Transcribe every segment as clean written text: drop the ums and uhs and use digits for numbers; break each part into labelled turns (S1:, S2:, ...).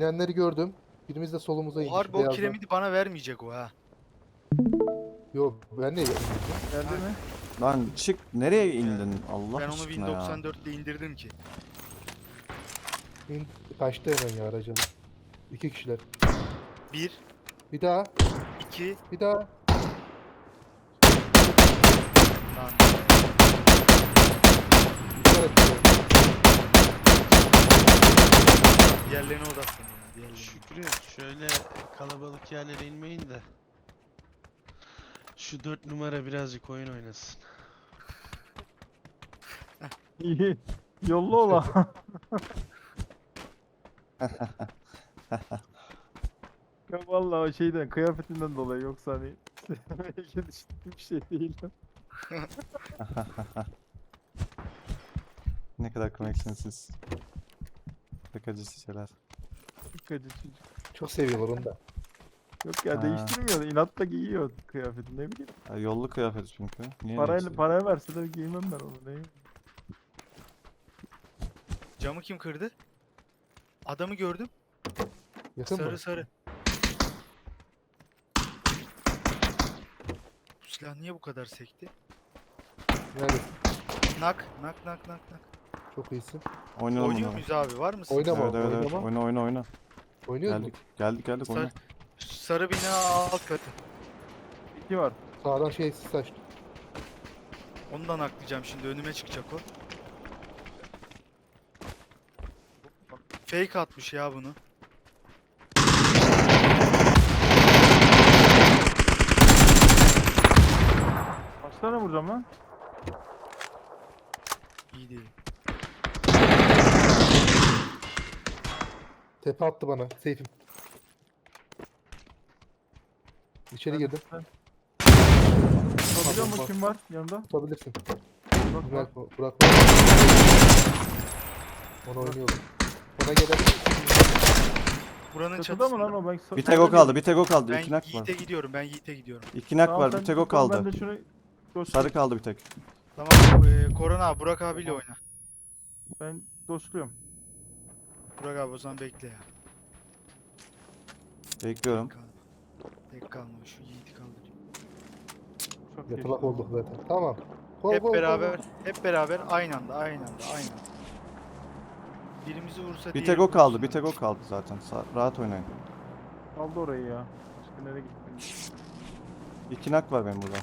S1: İnenleri gördüm. Birimiz de solumuza
S2: O
S1: indi.
S2: harbi o kiremidi bana vermeyecek o ha.
S1: Yok ben de
S3: Geldi mi?
S4: Lan çık nereye indin Allah
S2: Ben onu
S4: aşkına
S2: Win
S4: ya.
S2: 94 ile indirdim ki.
S1: kaçtı hemen ya araca. 2 kişiler.
S2: 1,
S1: Bir daha.
S2: 2,
S1: Bir daha.
S2: lan.
S1: İşaret ediyorum.
S2: Diğerlerine odaklanıyorum. Diğerlerine.
S5: Şükrü şöyle kalabalık yerlere inmeyin de. Şu 4 numara birazcık oyun oynasın.
S3: İyi. Yolla ola. Ya vallahi o şeyden kıyafetinden dolayı yoksa hani belki düşündüğüm bir şey değil.
S4: Ne kadar komiksiniz siz. Pek acısı şeyler.
S3: Dikkat çocuk.
S1: Çok seviyorlar onu da.
S3: Yok ya
S4: Ha.
S3: değiştirmiyor. İnatla giyiyor kıyafeti ne bileyim.
S4: Ya, yollu kıyafet çünkü. Niye neyse?
S3: Paraya verseler giymem ben onu ne?
S2: Camı kim kırdı? Adamı gördüm.
S1: Yakın
S2: Sarı
S1: mı?
S2: sarı. Bu silah niye bu kadar sekti?
S1: Nerede?
S2: Nak nak nak nak nak.
S1: Çok iyisin.
S4: Oynayalım
S2: Oynuyor
S4: onu.
S2: muyuz abi? Var mısın?
S1: Oynama.
S4: Evet evet evet.
S1: Oynama.
S4: Oyna.
S1: Oynuyoruz mu?
S4: Geldik oyna.
S2: Sarı bina alt katı.
S3: İki var.
S1: Sağdan şey saçtı.
S2: Ondan aklayacağım şimdi, önüme çıkacak o. Fake atmış ya bunu.
S3: Kaç tane vuracağım lan?
S2: İyi değil.
S1: Tepe attı bana. Seyfim. İçeri girdim.
S3: Biliyor musun kim var yanında?
S1: Tutabilirsin.
S3: Bak, bak.
S1: Burak. Onu oynuyorum. Ona gelebilir.
S2: Buranın
S3: Çatıda mı lan
S2: çatısında.
S3: o? Ben
S4: Bir tek o kaldı. Bir tek o kaldı.
S2: Ben
S4: İki nak var.
S2: Yiğit'e gidiyorum. Ben Yiğit'e gidiyorum.
S4: İki nak
S3: Tamam,
S4: var.
S3: sen
S4: Bir tek o
S3: tut onu,
S4: kaldı.
S3: Ben de şunu dostum.
S4: Sarı kaldı bir tek.
S2: Tamam. Korona abi, Burak abiyle oyna.
S3: Ben dostluyorum.
S2: Burak abi o zaman bekle ya.
S4: Bekliyorum.
S2: Tek kalma. Şu Yiğit'i kaldırayım.
S3: Çok
S1: Yatılak
S3: geçti.
S1: olduk zaten. Tamam. Gol,
S2: Hep
S1: gol,
S2: beraber,
S1: gol.
S2: hep beraber aynı anda. Birimizi vursa
S4: Bir tek
S2: diğeri
S4: o kaldı.
S2: vursun.
S4: Bir tek o kaldı zaten. Rahat oynayın.
S3: Aldı orayı ya. Başka nereye gitti?
S4: İki nak var benim burada.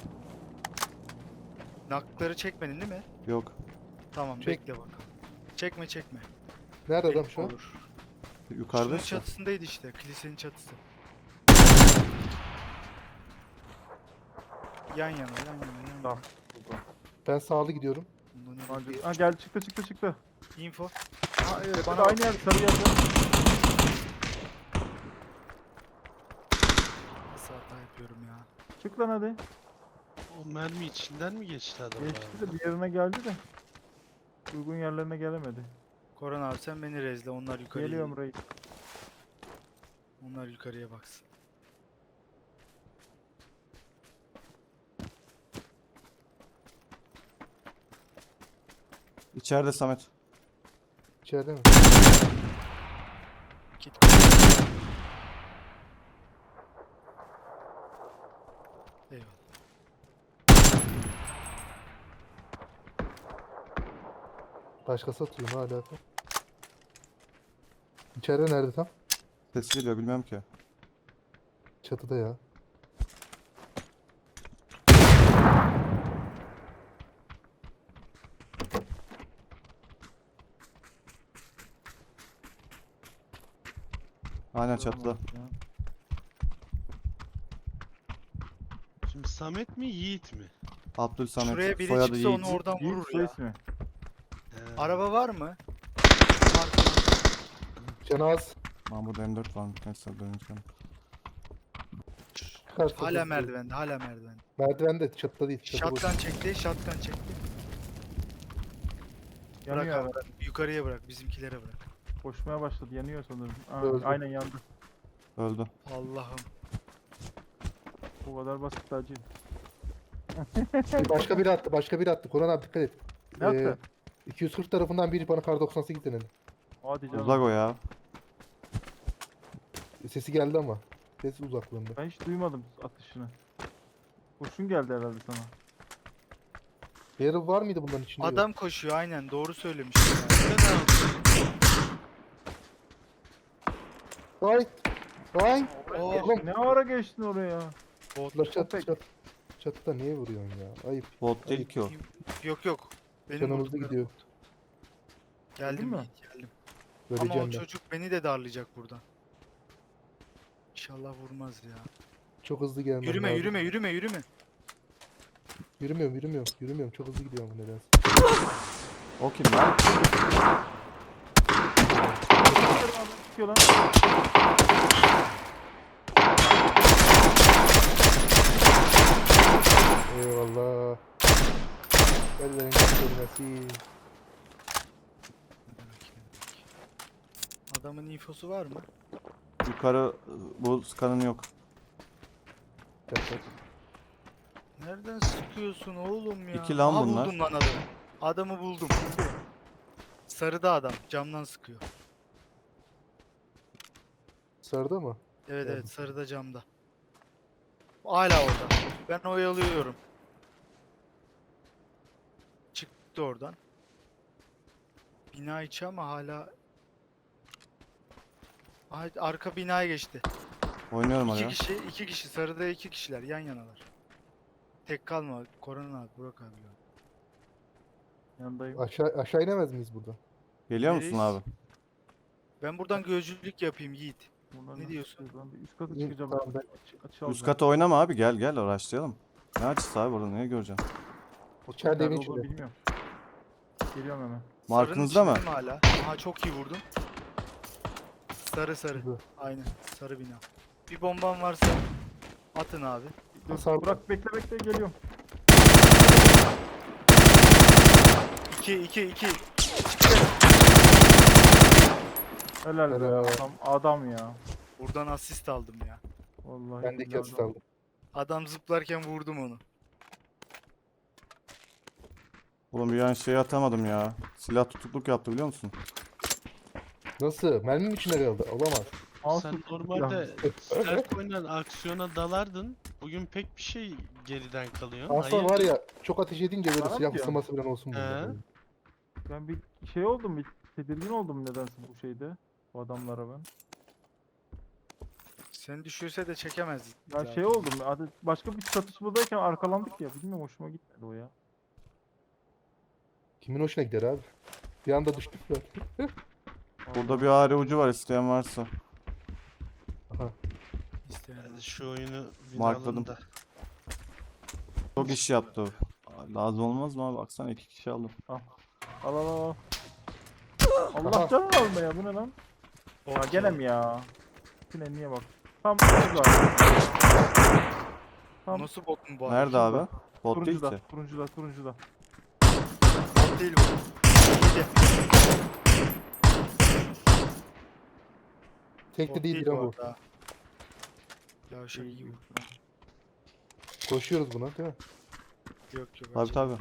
S2: Nakları çekmedin değil mi?
S4: Yok.
S2: Tamam,
S1: Çek.
S2: bekle bakalım. Çekme.
S1: Nerede adam
S2: Belki
S1: şu an?
S2: olur.
S4: Yukarıda
S2: Şunun
S4: işte.
S2: çatısındaydı işte. Kilisenin çatısı. Yan yana.
S3: Tamam.
S1: Ben sağlı gidiyorum.
S2: Bundan önce
S3: Ha gel çıktı.
S2: bir info. Ha evet,
S3: Bana
S2: bana
S3: aynı yer sarı yerde.
S2: nasıl hata yapıyorum ya.
S3: Çık lan hadi.
S5: O mermi içinden mi geçti adam
S3: Geçti
S5: abi?
S3: de bir yerine geldi de. Uygun yerlerine gelemedi.
S2: Koran abi sen beni rezle, onlar yukarıya.
S3: Geliyorum reis.
S2: Onlar yukarıya baksın.
S4: İçeride Samet.
S1: İçeride mi?
S2: Git. Eyvallah.
S1: Başkası atıyor. Ne alaka? İçeride nerede tam?
S4: Ses geliyor bilmem ki.
S1: Çatıda ya.
S4: Aynen çatıda.
S5: Şimdi Samet mi Yiğit mi?
S4: Abdül Samet.
S2: Şuraya biri
S4: Soyadı
S2: çıksa
S4: Yiğit.
S2: onu oradan
S3: Yiğit
S2: vurur
S3: soy
S2: ya.
S3: ismi.
S5: He.
S2: Araba var mı?
S1: Cenaz.
S4: Lan burada M4 var. Neyse döneceğim.
S1: Çıkarsa
S2: Hala
S1: dur.
S2: merdivende, hala merdivende.
S1: Merdivende çatıda değil. Çatı boş.
S2: Shotgun çekti. Bırak
S3: Yanıyor
S2: abi,
S3: abi.
S2: bırak. Yukarıya bırak, bizimkilere bırak.
S3: Koşmaya başladı. Yanıyor sanırım. Aa,
S1: Öldü.
S3: aynen yandı.
S4: Öldü.
S2: Allah'ım.
S3: Bu kadar basit acil.
S1: Başka biri attı. Koran abi dikkat et.
S3: Ne yaptı?
S1: 240 tarafından biri bana kar 98 denedi.
S3: Hadi canım.
S4: Uzak o ya.
S1: Sesi geldi ama. Ses uzaklığında.
S3: Ben hiç duymadım atışını. Kurşun geldi herhalde sana.
S1: Barrel var mıydı bunların içinde? Yok.
S2: Adam koşuyor aynen doğru söylemiş. ya.
S5: Ne yapıyorsun?
S1: Vay. Vay.
S2: Oh,
S1: Oğlum.
S3: Ne ara geçtin oraya?
S1: Bunlar çat
S3: Köpek.
S1: çat. Çatıda niye vuruyorsun ya? Ayıp.
S4: Bot değil ki o.
S2: yok. Benim
S1: Canımız da
S2: vurduklarım.
S1: gidiyor.
S2: Geldim
S3: mi?
S2: Yiğit, geldim.
S1: Öleceğim
S2: Ama o
S1: ben.
S2: çocuk beni de darlayacak buradan. İnşallah vurmaz ya.
S1: Çok hızlı gelmem
S2: Yürüme
S1: lazım.
S2: yürüme yürüme yürüme.
S1: Yürümüyorum. Çok hızlı gidiyorum nedense.
S4: O kim lan?
S3: Çıkıyor lan.
S1: Eyvallah. Ellerin görmesi.
S2: Adamın infosu var mı?
S4: Yukarı bu skanın yok.
S2: Nereden sıkıyorsun oğlum ya?
S4: İki lan
S2: Aha,
S4: bunlar.
S2: buldum lan adamı. Adamı buldum. Sarıda adam camdan sıkıyor.
S1: Sarıda mı?
S2: Evet
S1: Geldim.
S2: evet sarıda camda. Hala orada. Ben oyalıyorum. Çıktı oradan. Bina içi ama hala... Ay, arka binaya geçti.
S4: Oynuyorum oraya.
S2: İki kişi sarıda 2 kişiler yan yanalar. Tek kalma Koran abi Burak abi. ya.
S3: Yanındayım.
S1: Aşağı inemez miyiz buradan?
S4: Geliyor musun
S2: Nereyiz?
S4: abi?
S2: Ben buradan gözcülük yapayım Yiğit.
S3: Buradan
S2: Ne
S3: nasıl
S2: diyorsun?
S3: çıkıyoruz lan? Bir üst kata
S1: İyi,
S3: çıkacağım.
S1: tamam, ben-
S3: Açı
S4: Üst
S3: alacağım.
S4: kata oynama abi, gel uğraşlayalım. Ne açısı abi burada, neyi göreceğim?
S1: İçeride evin
S3: Nerede olduğunu
S1: içinde.
S3: bilmiyorum. Geliyorum hemen.
S4: Markınızda
S2: Sarının
S4: mı?
S2: içinde hala? Aha çok iyi vurdun. Sarı.
S1: Hızlı.
S2: Aynen sarı bina. Bir bomban varsa atın abi.
S3: Dur,
S1: Sağ-
S3: Burak bekle geliyorum.
S2: 2.
S3: Helal be
S1: Helal.
S3: adam ya.
S2: Buradan asist aldım ya.
S3: Vallahi
S1: Ben de iki
S3: billahi
S1: asist
S3: adam.
S1: aldım.
S2: Adam zıplarken vurdum onu.
S4: Oğlum bir an şey atamadım ya. Silah tutukluk yaptı biliyor musun?
S1: Nasıl? Mermim içinde kaldı. Olamaz.
S3: Mouse
S5: Sen
S3: tut-
S5: normalde stealth oynayan aksiyona dalardın. Bugün pek bir şey geriden kalıyor.
S1: Aslında var
S5: Hayırdır?
S1: ya çok ateş edince böyle
S3: Bana mı
S1: silah
S3: diyorsun?
S1: ısınması falan olsun burada.
S5: He?
S1: böyle.
S3: Ben bir şey oldum, bir tedirgin oldum nedense bu şeyde. Bu adamlara ben.
S2: Seni düşürse de çekemezdik.
S3: Ya
S2: zaten.
S3: şey oldum, başka bir çatışmadayken arkalandık ya. Bilmiyorum, hoşuma gitmedi o ya.
S1: Kimin hoşuna gider abi? Bir anda düştük ya.
S4: Burada bir ağrı ucu var, isteyen varsa.
S2: İsteyen.
S5: Yani şu oyunu
S4: Markladım.
S5: binalım da.
S4: Çok iş yaptı o. Lazım olmaz mı abi? Baksana 2 kişi aldım.
S3: Al. Allah
S1: Aha.
S3: canını alma ya, bu ne lan? Ya
S2: Bot
S3: gene
S2: ya.
S3: mi ya? Niye bak. Tam şurada. Tam
S2: Nasıl bot mu bu
S4: Nerede
S2: adam?
S4: abi? Bot değil
S3: turuncuda,
S4: ki.
S3: turuncuda.
S2: Bot değil bu. İyi de.
S1: Tek de
S2: Bot
S1: değil
S2: değil
S1: lan
S2: bu
S1: bu.
S2: arada. Yavşak iyi bu.
S1: Koşuyoruz buna değil mi?
S2: Yok.
S4: Tabii tabii.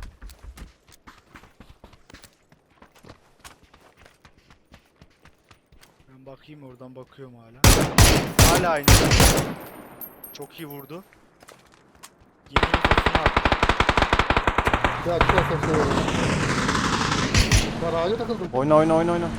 S2: Ben bakayım oradan bakıyorum hala. Hala aynı. Çok iyi vurdu. Yemin infosunu attı.
S1: Ya çıkarsan şey olur. Ben ağaca takıldım.
S4: Oyna.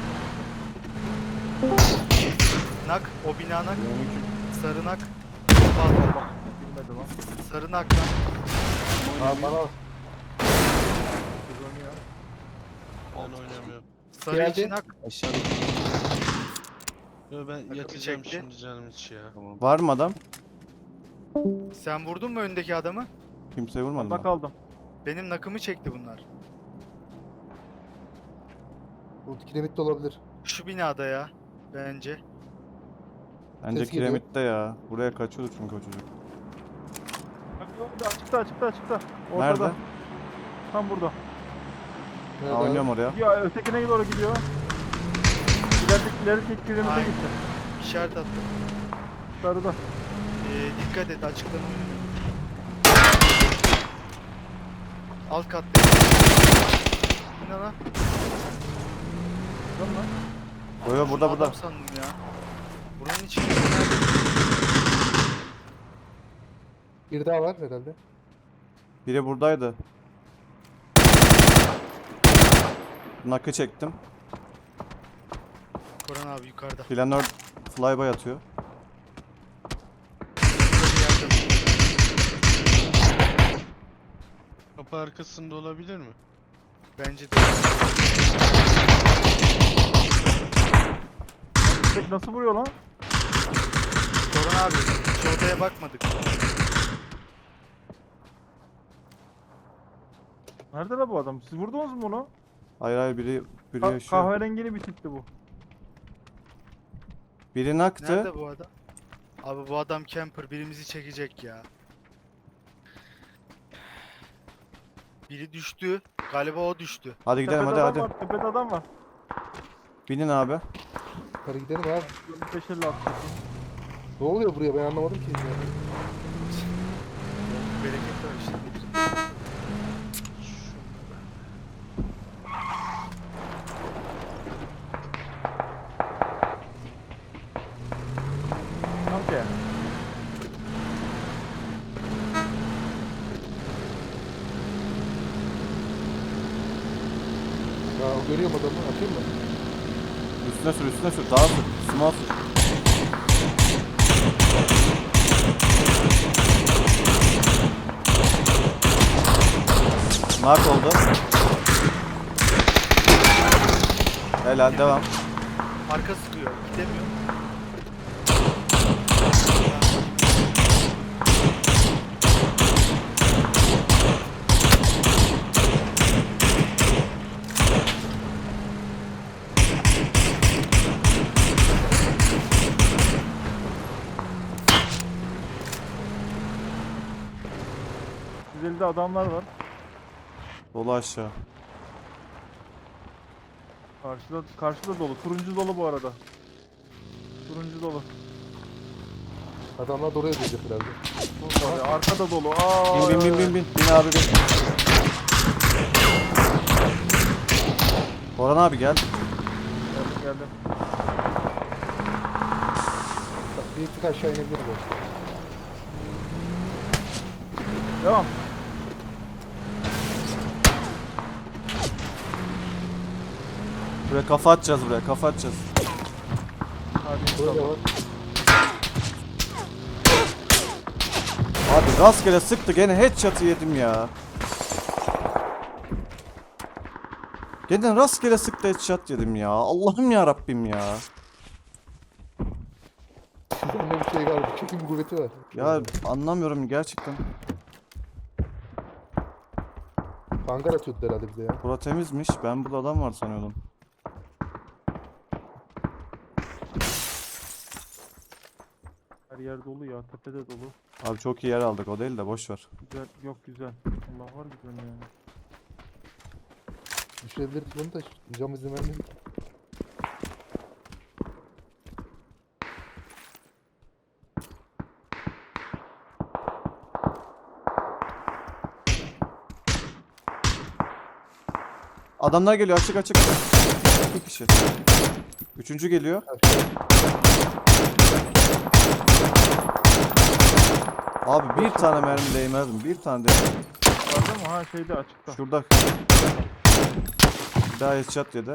S2: Nak. O bina nak. Sarı nak.
S3: Bilmedi lan.
S2: Sarı nak lan.
S1: Abi bana
S3: Biz oynuyor.
S5: Ben oynamıyorum.
S2: Sarı
S1: Geldi.
S2: içi nak.
S4: Aşağıda.
S5: Yo, ben
S2: Takımı
S5: yatacağım
S2: çekti.
S5: şimdi canım içi ya.
S4: Var mı adam?
S2: Sen vurdun mu öndeki adamı?
S4: Kimseye vurmadım
S3: Bak
S4: ben.
S3: aldım.
S2: Benim nakımı çekti bunlar.
S1: bu kiremit olabilir.
S2: Şu binada ya. Bence.
S4: Bence
S1: Ses geliyor.
S4: kiremitte ya. Buraya kaçıyordu çünkü o çocuk.
S3: Bak orada, açıkta. Ortada.
S4: Nerede?
S3: Tam burada.
S1: Nerede
S4: Ha,
S1: abi?
S4: oynuyorum oraya.
S3: Gidiyor, ötekine doğru gidiyor. İlerideki kiremite
S2: Aynen.
S3: gitti.
S2: İşaret attım.
S3: Sarıda.
S2: Dikkat et açıklama. Alt katta. Bu ne lan?
S3: Tamam lan.
S4: Yo, burada.
S2: Adam sandım ya. Buranın içinde
S1: Bir daha var herhalde.
S4: Biri buradaydı. Nakı çektim.
S2: Koran abi yukarıda.
S4: Planör flyby atıyor.
S5: Kapı arkasında olabilir mi?
S2: Bence de.
S3: Tek nasıl vuruyor lan?
S2: Koran abi hiç odaya bakmadık.
S3: Nerede la bu adam? Siz vurdunuz mu bunu?
S4: Hayır hayır biri yaşıyor.
S3: Kahverengili bir tipti bu.
S4: Biri naktı.
S2: Nerede bu adam? Abi bu adam camper birimizi çekecek ya. Biri düştü. Galiba o düştü.
S4: Hadi gidelim
S3: Tepede
S4: hadi
S3: adam
S4: hadi.
S3: var, tepede adam var.
S4: Binin abi.
S1: Hadi gidelim abi.
S3: 550 attı.
S1: Ne oluyor buraya ben anlamadım ki.
S2: Bereket var işte.
S3: Tamam ki.
S1: Ya görüyorum adamı atayım mı?
S4: Üstüne sür daha sür. Small sür. Mark oldu. Helal devam.
S2: Arka sıkıyor. Gidemiyor.
S3: Güzelde adamlar var.
S4: Dolu aşağı.
S3: Karşıda dolu. Turuncu dolu bu arada. Turuncu dolu.
S1: Adamlar da oraya gelecek herhalde.
S3: Abi, arkada dolu. Aa,
S4: Bin. Bin abi bin. Orhan abi gel.
S3: Geldim.
S1: Bak, bir tık aşağı inebilir bu.
S3: Devam.
S4: Buraya kafa atacağız buraya kafa atacağız.
S3: Hadi
S1: Burada
S3: inşallah.
S1: var.
S4: Abi rastgele sıktı gene headshot'ı yedim ya. Gene rastgele sıktı headshot yedim ya. Allah'ım ya Rabbim ya.
S1: Bende bir şey galiba. Çekim kuvveti var.
S4: Ya anlamıyorum gerçekten.
S1: Hangar atıyordu herhalde bize ya.
S4: Bura temizmiş. Ben burada adam var sanıyordum.
S3: Her yer dolu ya. Tepede dolu.
S4: Abi çok iyi yer aldık o değil de boş ver.
S3: Güzel. Yok güzel. Allah var güzel yani.
S1: Düşürebiliriz bunu da cam izin vermiyor.
S4: Adamlar geliyor açık. İki kişi. Üçüncü geliyor. Abi bir tane mermi değmezdim. Bir tane değmezdim.
S3: Vardı mı? Ha şeyde açıkta.
S4: Şurada. Bir daha headshot yedi.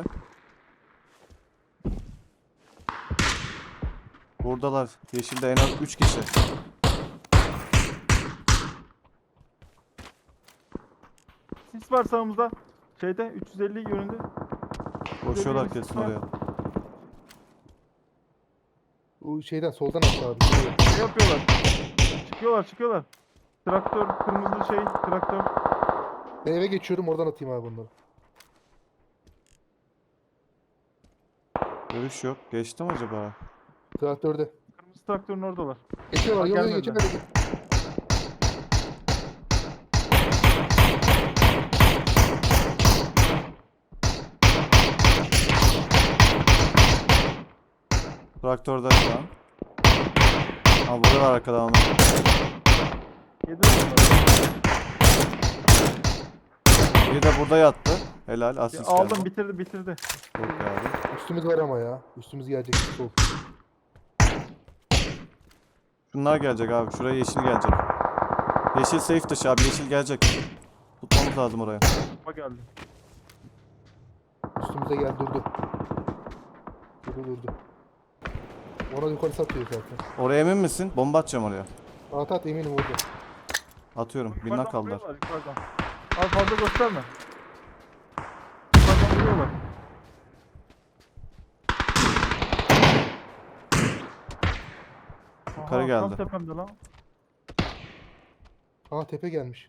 S4: Buradalar. Yeşilde en az 3 kişi.
S3: Sis var sağımızda. Şeyde 350 yönünde.
S4: Koşuyorlar kesin oraya.
S1: O şeyden soldan attı abi.
S3: Ne yapıyorlar? Çıkıyorlar. Traktör, kırmızı şey, traktör.
S1: Ben eve geçiyorum oradan atayım abi bunları.
S4: Görüş yok. Geçti mi acaba?
S1: Traktörde.
S3: Kırmızı traktörün oradalar.
S1: Geçiyorlar
S3: Ha,
S1: yolu
S3: gelmediler.
S1: geçemedi.
S4: Traktörde şu an. Ha burada var arkadan onu.
S3: Yedi onları.
S4: Biri de burada yattı. Helal asist
S3: Aldım
S4: geldi.
S3: bitirdi.
S4: Çok iyi abi.
S1: Üstümüz var ama ya. Üstümüz gelecek. Sol.
S4: Şunlar gelecek abi. Şuraya yeşil gelecek. Yeşil safe dışı abi. Yeşil gelecek. Tutmamız lazım oraya.
S3: Bomba geldi.
S1: Üstümüze gel durdu. Durdu. Ona yukarı satıyor zaten.
S4: Oraya emin misin? Bomba atacağım oraya.
S1: At eminim orada.
S4: Atıyorum. Bir
S3: Yukarıdan
S4: kaldılar.
S3: vuruyorlar, yukarıdan. Abi fazla gösterme. Yukarıdan vuruyorlar.
S4: Yukarı
S3: Aha,
S4: geldi.
S3: Tam tepemde lan.
S1: Aa tepe gelmiş.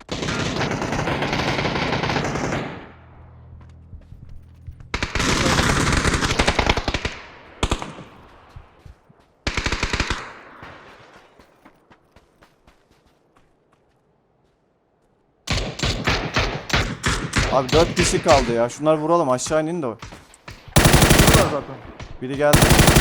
S4: Abi 4 kişi kaldı ya. Şunları vuralım. Aşağı inin de.
S3: Vuruyorlar zaten.
S4: Biri geldi.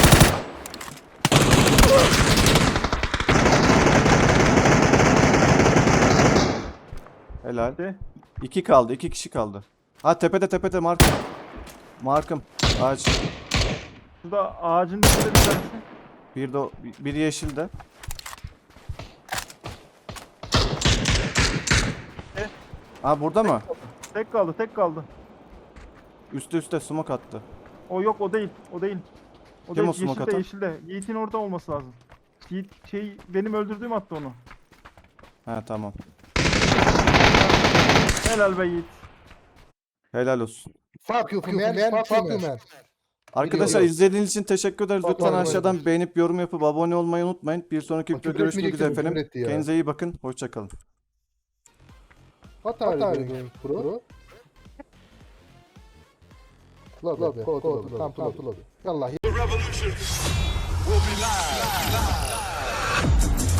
S4: Helal.
S3: De.
S4: 2 kaldı. 2 kişi kaldı. Ha tepede markım. Markım. Ağaç.
S3: Şurada ağacın dibinde bir tanesi.
S4: Bir de biri yeşilde. Ha burada mı?
S3: Tek kaldı.
S4: Üste smoke attı.
S3: O yok, o değil. O değil. O
S4: Kim
S3: değil.
S4: o smoke atan?
S3: Yeşilde. Yiğit'in orada olması lazım. Yiğit benim öldürdüğüm attı onu.
S4: Ha tamam.
S3: Helal be Yiğit.
S4: Helal olsun.
S1: Fuck you man. Fuck you man.
S4: Arkadaşlar
S1: Biliyorum.
S4: izlediğiniz için teşekkür ederiz.
S1: Bak,
S4: Lütfen
S1: bak,
S4: aşağıdan beğenip yorum yapıp abone olmayı unutmayın. Bir sonraki
S1: Bak,
S4: videoda
S1: küfür
S4: görüşmek üzere
S1: etmeyecektim,
S4: efendim.
S1: küfür etti ya.
S4: Kendinize iyi bakın. Hoşçakalın.
S1: What are you doing bro? Lobby. Come to lobby. Yallah.
S6: The revolution will be live.